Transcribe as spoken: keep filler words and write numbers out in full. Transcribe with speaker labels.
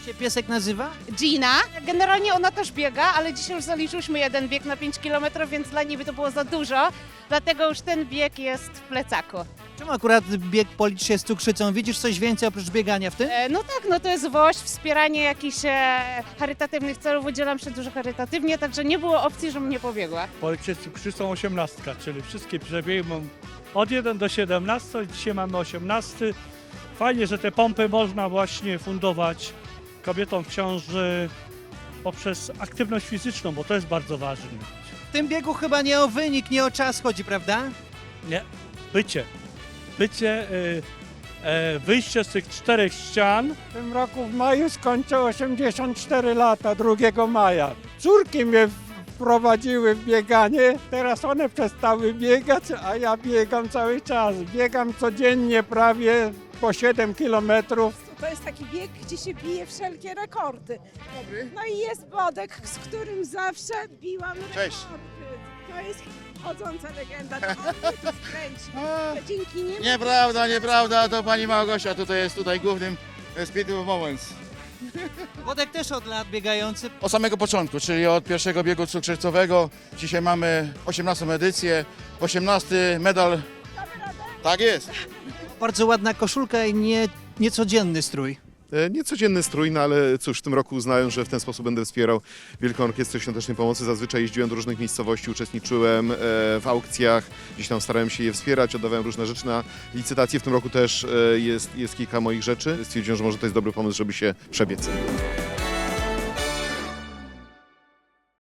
Speaker 1: się piesek nazywa?
Speaker 2: Gina. Generalnie ona też biega, ale dzisiaj już zaliczyliśmy jeden bieg na pięć kilometrów, więc dla niej by to było za dużo. Dlatego już ten bieg jest w plecaku.
Speaker 1: Czemu akurat bieg policz się z cukrzycą? Widzisz coś więcej oprócz biegania w tym?
Speaker 2: E, no tak, no to jest woź, wspieranie jakichś e, charytatywnych celów. Udzielam się dużo charytatywnie, także nie było opcji, żebym nie pobiegła.
Speaker 3: Policzę cukrzycą osiemnastka, czyli wszystkie przebiegi mam od jeden do siedemnastu, dzisiaj mamy osiemnasty. Fajnie, że te pompy można właśnie fundować kobietom w ciąży poprzez aktywność fizyczną, bo to jest bardzo ważne.
Speaker 1: W tym biegu chyba nie o wynik, nie o czas chodzi, prawda?
Speaker 3: Nie, bycie. Bycie, y, y, wyjście z tych czterech ścian.
Speaker 4: W tym roku w maju skończę osiemdziesiąt cztery lata, drugiego maja. Córki mnie wprowadziły w bieganie, teraz one przestały biegać, a ja biegam cały czas. Biegam codziennie prawie po siedem kilometrów.
Speaker 5: To jest taki bieg, gdzie się bije wszelkie rekordy. No i jest Bodek, z którym zawsze biłam
Speaker 6: Cześć.
Speaker 5: rekordy. To jest chodząca legenda, to on mnie tu wkręci. To dzięki niemu...
Speaker 6: Nieprawda, nieprawda, to pani Małgosia tutaj jest tutaj głównym e, Speed of Moments.
Speaker 1: Wodek też od lat biegający.
Speaker 6: Od samego początku, czyli od pierwszego biegu cukrzycowego. Dzisiaj mamy osiemnastą edycję, osiemnasty medal. Tak jest.
Speaker 1: Bardzo ładna koszulka i nie, niecodzienny strój.
Speaker 7: E, Niecodzienny strój, no ale cóż, w tym roku uznałem, że w ten sposób będę wspierał Wielką Orkiestrę Świątecznej Pomocy. Zazwyczaj jeździłem do różnych miejscowości, uczestniczyłem e, w aukcjach, gdzieś tam starałem się je wspierać, oddawałem różne rzeczy na licytacje. W tym roku też e, jest, jest kilka moich rzeczy. Stwierdziłem, że może to jest dobry pomysł, żeby się przebiec.